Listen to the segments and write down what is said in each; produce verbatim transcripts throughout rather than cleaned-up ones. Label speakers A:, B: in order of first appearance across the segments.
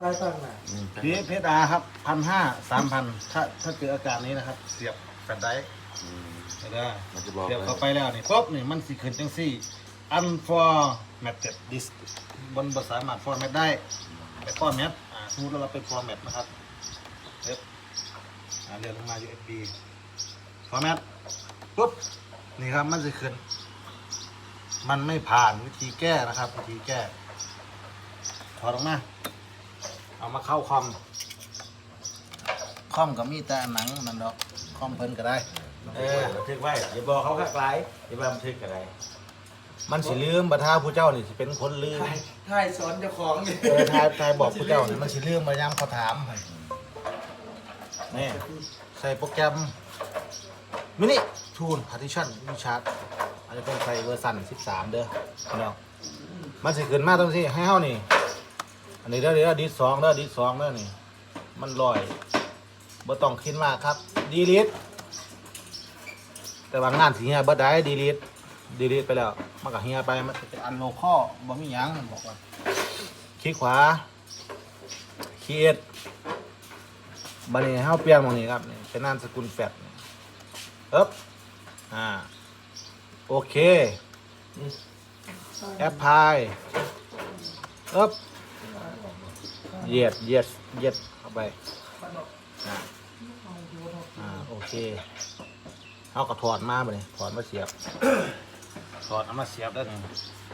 A: ใต้ตั้งน่ะ
B: พีเพชรอาครับพันห้าสามพันถ้าถ้าเจออาการนี้นะครับ เสียบแฟลชไดร์เห็นไหม
C: มันจะบอก
B: เสียบเข้าไปแล้วนี่ปุ๊บนี่มันสิขึ้นจังซี่ unformatted disk บนภาษาสามารถ format ได้ไป format อ่าสมมติเราไป format นะครับเอ็บอ่าเรียนลงมา ยู เอส บี format ปุ๊บนี่ครับมันจะขึ้น มันไม่ผ่านวิธีแก้นะครับ วิธีแก้ถอดออกมาเอามาเข้าคอมคอมก็มีแต่หนังนั่นดอกคอมเพิ่นก็ได้
C: เออบันทึกไว้อย่าบอกเขาข้างไกลอย่าไปบันทึกอะไร
B: มันสิลืมบัท่าผู้เจ้านี่สิเป็นคนลืม
A: ถ่ายสอนเจ้าของนี่
B: เออทายทายบอกผู้เจ้านี่มันสิลืมมายามเขาถามนี่ใส่โปรแกรมมินิทูลพาร์ติชันวิชาร์ดอันนี้เป็นใส่เวอร์ชันสิบสามเด้อพี่น้องมันสิขึ้นมาตรงที่ให้เฮานี่อันนี้เด้อเด้อดิสสองเด้อดิสสองเด้อนี่มันลอยบ่ต้องคิดมากครับดีลิทแต่ว่างานสิเฮียบ่ได้ดีลิทดีลิทไปแล้วมันก็เฮียไปมันจะอันโลคอลบ่มีหยังมันบอกว่าคลิกขวาครีเอทบัดนี้เฮาเปลี่ยนหม้องนี้ครับนี่เป็นนามสกุลแฟดเอ๊บอ่าโอเคแอปพลายเอ๊บเย็ดเย็ดเย็ดเข้าไปอ่าอ่าโอเคเอาก็ถอดมาบ่นี่ถอดมาเสียบ ถอดเอามาเสียบได้ไง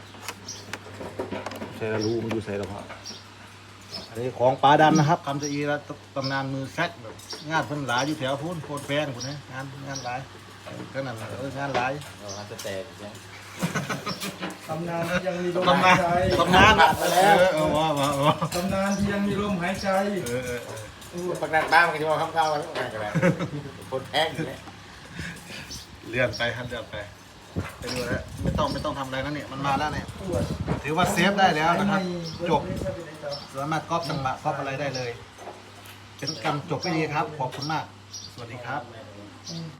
B: ใส่ระรูมันอยู่ใส่ระเพาะอันนี้ของปลาดำนะครับคำจะอีแล้วตำนานมือแซกแบบงานเพิ่นหลายอยู่แถวพูนโคตรแพงคนนี้งานงานหลายก็นั่นแหละเอองานหลาย
C: เราจะแตกใช่
A: ตำนานที่ยังมีลม
B: ตำ
A: หาน
B: าย น
A: ใจ
B: ตำนานไปแล้วเออว่าว่าว่า
A: ตำนานที่ยังมีลมหายใจ
B: เออเออเออ
C: ประกันบ้านมันก็จะมาข้ามๆกันอะไรกันแหละคนแพงอยู่เนี่ย
B: เลื่อนไปครับเลื่อนไปไปดูแล้วไม่ต้องไม่ต้องทำอะไรแล้วเนี่ยมันมาแล้วเนี่ย
A: ปวด
B: ถือว่าเซฟได้แล้วนะครับจบ
A: ไม่ใช่เป็นไรต่อ
B: สามารถก๊อปจังหวะก๊อปอะไรได้เลย เป็นการจบไปดีครับ ขอบคุณมาก สวัสดีครับ